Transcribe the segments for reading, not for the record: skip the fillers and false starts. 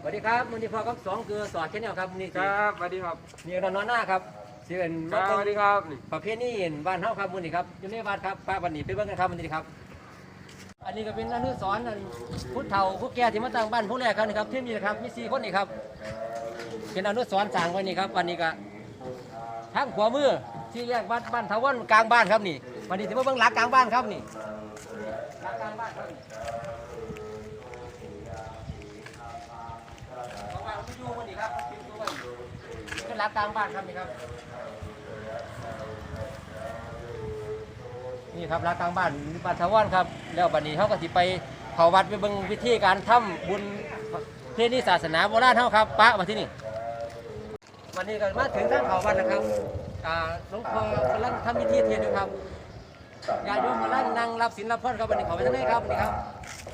สวัสดีครับมือนี้พอครับ2คือสอดแค่แนวครับนี่ครับสวัสดีครับนี่นอนหน้าครับสิเป็นสวัสดีครับประเภทนี้บ้านเฮาครับมือนี้ครับอยู่ในบ้านครับป้าวันนี้ไปเบิ่งกันครับมือนี้ครับอันนี้ก็เป็นอนุสรณ์ผู้เฒ่าผู้แก่ที่มาตั้งบ้านผู้แรกครับนี่ครับที่นี่ครับมี4คนนี่ครับเป็นอนุสรณ์สร้างไว้นี่ครับวันนี้ก็ทางขวามือที่แยกบ้านทวันกลางบ้านครับนี่วันนี้ที่มาเบิ่งหลักกลางบ้านครับนี่หลักกลางบ้านครับขึ้นรักกลางบ้านครับนี่ครับนี่ครับรักกลางบ้านบ้านทวันครับแล้วบัดนี้เขาก็สิไปเขาวัดไปเบิ่งวิธีการทำบุญเทศนิศาสนาโบราณเขาครับปะมาที่นี่วันนี้ก็มาถึงทางเขาวัดนะครับหลวงพ่อกำลังทำพิธีเทศน์ครับญาติโยมกำลังนั่งรับศีลรับพรครับวันนี้เขาไปทางไหนครับนี่ครับ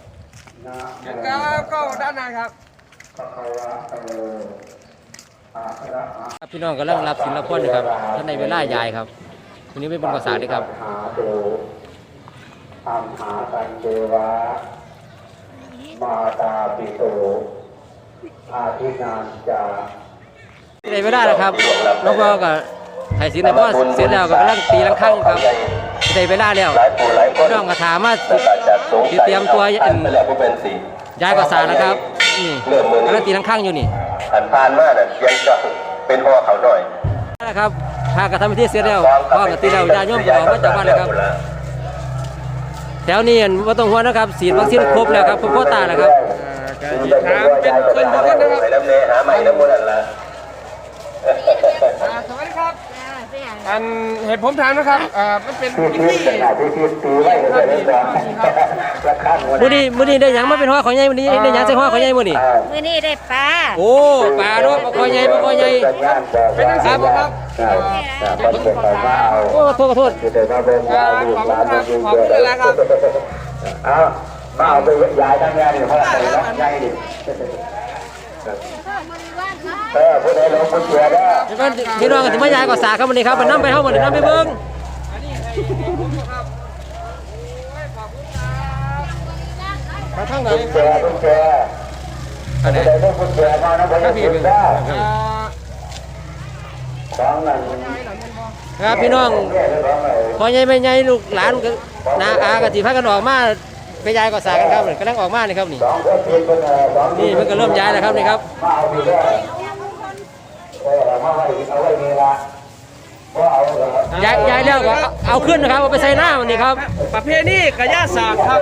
ครับก็ด้านในครับพี่น้องกำลังรับศีลรับพรนะครับท่านในเวลายายครับวันนี้เป็นบรรพศาสตร์ด้วยครับอัมหาตันเทวะมาตาปิโตอาทินานจาในเวลานะครับหลวงพ่อก็ให้ศีลในพ่อเสร็จแล้วก็กำลังตีลังคั่งครับในเวลาแล้วพี่น้องก็ถามว่าเตรียมตัวยายก็สาแล้วครับนี่กำลังตีลังคั่งอยู่นี่ผ่านมาเนี่ยยังจะเป็นพ่อเขาหน่อยนะครับถ้ากระทำพิธีเสร็จแล้วพ่อกตีแล้วญาติโยมก็ออกมาจากบ้านเลยครับแถวนี้ว่าต้องห่วงนะครับฉีดวัคซีนครบแล้วครับครบโควต้าแล้วครับถามเป็นคนทุกคนนะครับไปน้ำเนหาใหม่น้ำมันละสวัสดีครับอันเหตุผมถามนะครับมันเป็นพิธีมื้อนี้ได้หยังมาเป็นห้อของใหญ่มื้อนี้ได้หยังใส่ห้อของใหญ่มื้อนี้ได้ปลาโอ้ปลาเนาะปลาคอใหญ่ปลาคอใหญ่เป็นนักศึกษาครับโอ้โทษขอโทษขอบคุณแล้วครับมาเอาไปย้ายทั้งแม่นี่เพราะอะไรต้องย้ายดิผู้ใดลงผู้เชื่อได้พี่น้องก็สิมายายก็สาครับมื้อนี้ครับมันนำไปเฮามื้อนี้นำไปเบิ่งมาทางไหนผู้เชื่อผู้เชื่ออันนี้ผู้เชื่อมานะบ่ได้ผิดได้ครับพี่น้องพอใหญ่ไม่ใหญ่ลูกหลานนาอาก็สิพากันออกมาไปยายก็สากันครับกำลังออกมานี่ครับนี่นี่มันก็เริ่มย้ายแล้วครับนี่ครับย้ายแล้วก็เอาขึ้นนะครับเอาไปใส่หน้ามันนี่ครับประเภทนี้กระยาศาสตร์ครับ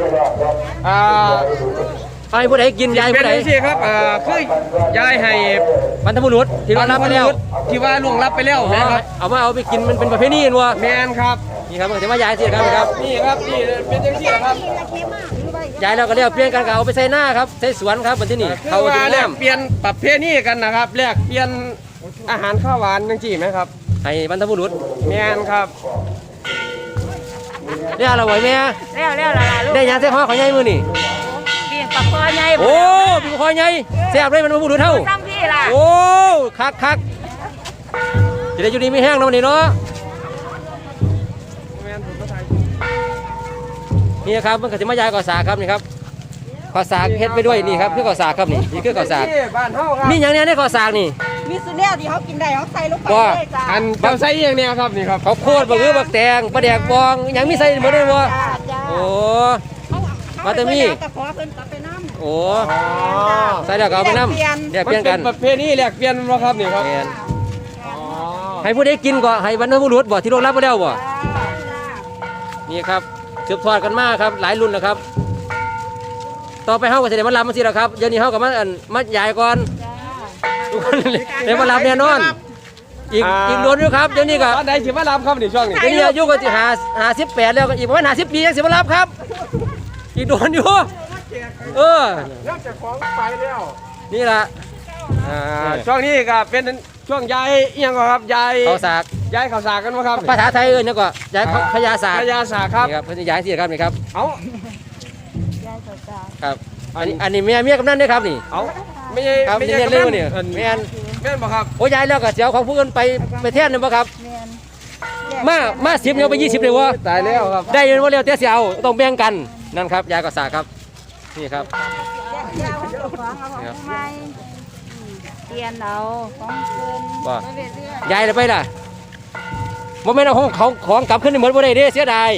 ให้ผู้ใดกินยายผู้ใดเป็นสิครับคือยายให้บรรพบุรุษที่ล่วงลับไปแล้วที่ว่าล่วงลับไปแล้วนะครับเอาไปกินมันเป็นประเภทนี้นัวแมนครับนี่ครับจะมายายสิครับครับนี่ครับนี่เป็นจังซี่ครับยายเราก็เรียกเปลี่ยนกันเอาไปใส่หน้าครับใส่สวนครับบนที่นี่เขาจะแลกเปลี่ยนประเภทนี้กันนะครับแลกเปลี่ยนอาหารข้าวหวานจังซี่ไหมครับให้บรรพบุรุษแมนครับเรียกเราไหวไหมแล้วล่ะลูกได้ยังเส้นห่อของยายมือนี่ปีนปากคอใหญ่โอ้ปีนปากคอใหญ่แซ่บเลยมันบุรุษเท่าซ้ำพี่ล่ะโอ้คักจะได้อยู่ดีไม่แห้งนะวันนี้เนาะนี่ครับมันก็จะมายายก่อสาครับนี่ครับก่อสาเฮ็ดไปด้วยนี่ครับคือก่อสาครับนี่คือก่อสามีอย่างนี้ในก่อสานี่มีสุดแล้วที่เขากินได้เขาใส่ลงไปเลยจ้าอันเขาใส่อย่างนี้ครับนี่ครับเขาโคตรบักหือบักแตงปลาแดกบองอย่างมีใส่หมดเลยบ่โอ้มาแต่มีโอ้ใส่แล้วก็เอาไปน้ำแลกเปลี่ยนกันประเภทนี้แลกเปลี่ยนบ่ครับนี่ครับให้ผู้ใดกินก็ให้บรรพบุรุษบ่ที่ล่วงลับไปแล้วบ่นี่ครับสืบทอดกันมาครับหลายรุ่นนะครับต่อไปเฮาก็จะได้มารับมาสิแล้วครับเดี๋ยวนี้เฮาก็มาใหญ่ก่อนทุกคนเดี๋ยวมารับแน่นอนอีกโดนอยู่ครับเดี๋ยวนี้ก็ได้สิมารับครับนี่ช่วงนี้เดี๋ยวนี้อายุก็สิ58แล้วก็อีกประมาณ50 ปียังสิมารับครับอีกโดนอยู่เริ่มจากของไปแล้วนี่ล่ะช่วงนี้ก็เป็นช่วงย้ายเอียงครับย้ายข้าวสากย้ายข้าวสากกันมั้งครับภาษาไทยนี่ก็ย้ายขยาสากครับนี่ครับเพิ่นย้ายสิครับนี่ครับเอาครับอันนี้เมียกำนันด้วยครับนี่เอาไม่ใช่ครับไม่ใช่เรื่องนี่แม่นบ่ครับโอ้ยายแล้วก็เสียวของผู้อื่นไปแทนนึงบ่ครับมา10เนี่ยไป20เลยวะตายแล้วครับได้ยินว่าเร็วแต่เสียวต้องแบ่งกันนั่นครับยายก็สากครับนี่ครับของเอาของผู้ใหม่เปลี่ยนเอาของเพิ่นว่าไปเรื่อยยายเลยไปล่ะบ่แม่นเอาของกลับขึ้นในเหมือนบ่ได้เด้เสียดาย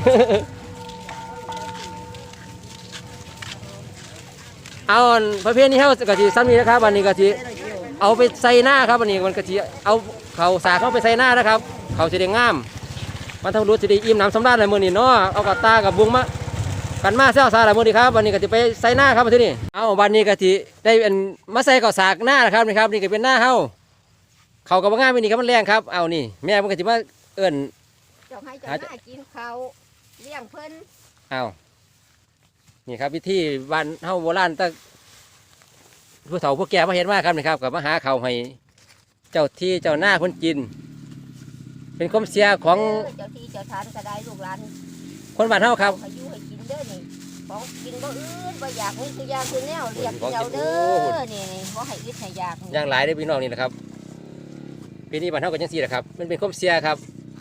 เอาอันประเภทนี้เฮาก็สิซ้ำนี้นะครับวันนี้ก็สิเอาไปใส่หน้าครับวันนี้มันก็สิเอาเขาสากเข้าไปใส่หน้านะครับเขาสิได้งามมันทั้งรู้สิได้อิ่มน้ำสำราญหลายมื้อนี้เนาะเอากับตากับบุงมากันมาเซลซาหลายมื้อนี้ครับวันนี้ก็สิไปใส่หน้าครับที่นี่เอาวันนี้ก็สิได้เป็นมาใส่กับสากหน้านะครับนี่ครับนี่ก็เป็นหน้าเฮาเขาก็บ่งามมื้อนี้ครับมันแรงครับเอานี่แม่มันก็สิมาเอิ้นๆเจ้าให้เจ้าหน้ากินเขาวเลี้ยงเพิ่นเอานี่ครับวิธีบ้านเฮาโบราณตั้งผู้เฒ่าผู้แก่มาเห็นมาครับนี่ครับกับมาหาเขาวให้เจ้าที่เจ้าหน้าคนกิน เป็นความเสียของเจ้าที่เจ้าทานก็ได้ลูกหลานคนบ้านเฮาครับให้อยู่ให้กินเด้อนี่ของกินบ่อื่นบ่อยากมีคือยาคือแนวเรียกกินเอาเด้อนี่บ่ให้อึดให้อยากนี่อย่างหลายได้อพี่น้องนี่แหละครับปีนี้บ้านเฮาก็จังซี่แหละครับมันเป็นความเสียครับ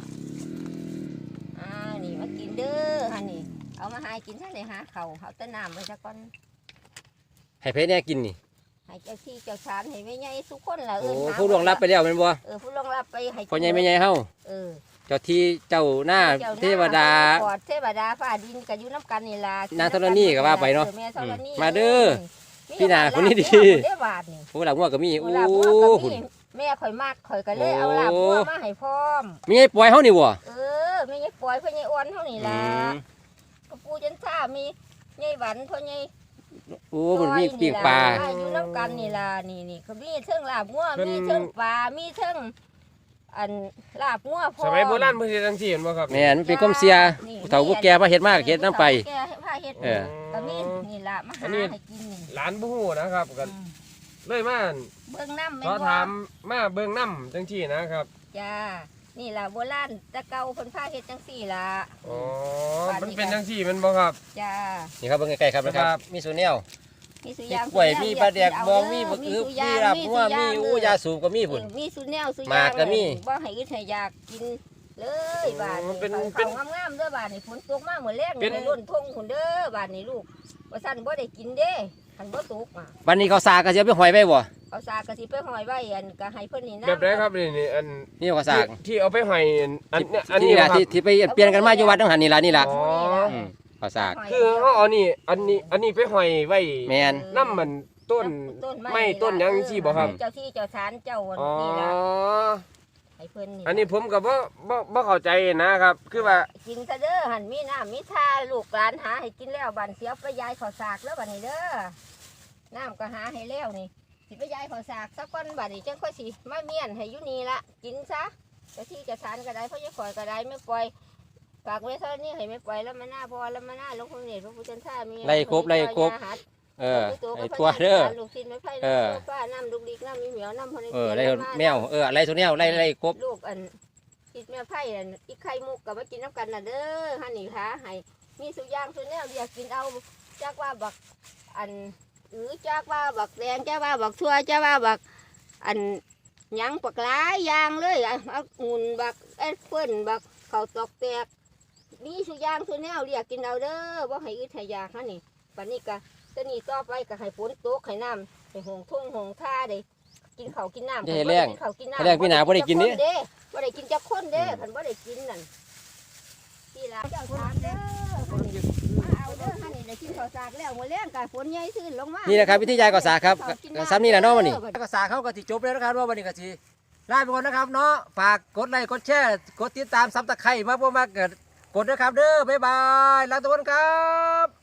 นี่มากินเด้อฮะนี่เอามาให้กินท่านได้หาเขาวเอาแต่น้ำไว้ซะก่อนให้เพิ่นแน่กินนี่ให้เจ้าที่เจ้าทานให้แม่ใหญ่ทุกคนล่ะโอ้หาผู้ล่วงลับไปแล้วแม่นบ่ผู้ล่วงลับไปให้พ่อใหญ่แม่ใหญ่เฮาเออเจ้าที่เจ้าหน้าจ้เทวดาปอดเทวดาฟ้าดินก็อยู่น้ำกันนี่ล่ะนางธรณีก็ว่าไปเนาะแม่ธรณีมาเด้อพี่นาคนนี้ดีเด้อบาทนี่ผู้หลังงัวก็มีโอ้ลาบงัวก็หุ่นมีแม่ข่อยมากข่อยก็เลยเอาลาบงัวมาให้พร้อมมีไอ้ปล่อยเฮานี่บ่แม่ยายปล่อยพ่อใหญ่อ้วนเท่านี้อืล่ะมกระปูจันท่ามียายหวันพ่อใหญ่โอ้มันมีปีกปลาอยู่น้ำกันนี่ล่ะนี่เขามีเทิงลาบงัวเพิ่นมีเทิงปลามีเทิงอันลาบงัวพร้อสมัยโบราณเพิ่นเฮ็ดจังซี่เห็นบ่ครับแม่นมันเป็นความเสียผู้เฒ่าผู้แก่มาเฮ็ดมากเฮ็ดน้ำไปแกพาเฮ็ดเออก็มีนี่ล่ะมาหาให้กินนี่หลานบ่ฮู้นะครับก็เลยมาเบิ่งน้ำแม่ขนอบ่ถามมาเบิ่งน้ำจังซี่นะครับจ้านี่ล่ะโบราณแตะเก่าเพิ่นพาเฮ็ดจังซี่ล่ะอ๋อมันเป็นจังซี่แมันบ่ครับจ้านี่ครับเบิ่งใกล้ๆครับนะคครัรับบมีสูแนวมีสุมียางกล้วยมีปลาแดกเบองมีบักอึบสุมียางลาบงัวมีสุอู้ยาสูบก็มีพุ่นมีสุแนวสุยางหมากก็มีบ่ให้อึดให้อยากกินเลยบาดนี้เป็นเขางามๆเด้อบาดนี้ฝนตกมามื้อแรกนี่ไปล้นทงพุ่นเด้อบาดนี้ลูกว่าซั่นบ่ได้กินเด้คันบ่ตกมาวันนี้เขาสากก็สิเอาไปหอยไว้บ่เอาสากก็สิไปห้อยไว้อันก็ให้เพิ่นนี่นะแบบไหนครับนี่อันนี่เขาสากที่เอาไปให้อันเนี่ยอันที่นี้นี่ล่ะครับที่ไปเปลี่ยนกันมาอยู่วัดต้องหันนี่ล่ะนี่ล่ะอ๋อมเขาสากคือเฮาเอานี่อันนี้ไปห้อยไว้แม่นน้ำมันต้นไม้ต้นหยังจังซี่บ่ครับเจ้าที่เจ้าทานเจ้าอ๋อนี่ล่ะให้เพิ่นนี่อันนี้ผมก็บ่เข้าใจนะครับ คือว่ากินซะเด้อหันมีน้ำมีท่าลูกหลานหาให้กินแล้วบันเสียวไปยายข้าวสากแล้วบัดนี้เด้อน้ำก็หาให้แล้วนี่สิไปยายข้าวสากสักก้อนบัดนี้จังค่อยสิมาเมียนให้อยู่นี่ละกินซะเจ้าที่เจะทานก็ได้เพราะยายข่อยก็ได้ไม่ปล่อยฝากไว้เท่านี้ให้ไม่ปล่อยแล้วมาหน้าพอแล้วมาหน้าหลวงพ่อเนี่ยพระพุทธเจ้ามีไล่ครบไล่ครบ เออไอ้ตัวเด้อลูกชิ้นไม่ไผ่เออฟ้าน้ำลูกดิกน้ำมีเหมียวน้ำพอในไล่แมวไล่ตัวแนวไล่ครบลูกอันคิดแม่ไผ่อันอีไข่มุกกับมากินน้ำกันน่ะเด้อฮันนี่ค่ะให้มีสุย่างสุแนวเดียวกินเอาจากว่าบักอันจากว่าบักแดงจากว่าบักทั่วจากว่าบักอันหยังปักหลายอย่างเลยเอาหุ่นบักแอปเปิ้ลบักข้าวตอกแตกมีสุย่างสุแนวเรียกกินเอาเด้อบ่ให้อึดให้อยากฮันนี่ปันนี้ก็ตอนนี้ต่อไปก็ให้ฝนตกให้น้ำให้หงทุ่งหงท่าเด้กินข้าวกินน้ำให้แรงกินข้าวกินน้ำให้แรงพี่หนาบ่ได้กินนี่บ่ได้กินจักคนเด้คันบ่ได้กินนั่นพี่ลาเจ้าทานเด้อมาเอาเด้อฮันนี่ได้กินข้าวสากแล้วมื้อแลงก็ฝนใหญ่ซื่นลงมานี่นะครับวิธียายก็สากครับซ้ำนี่แหละเนาะวันนี้ก็สากเขาก็สิจบแล้วนะครับว่าวันนี้ก็สิลาไปก่อนนะครับเนาะฝากกดไลค์กดแชร์กดติดตามซับตะไคร้มาบ่มาเกิดกดนะครับเด้อบ๊ายบายลาทุกคนครับ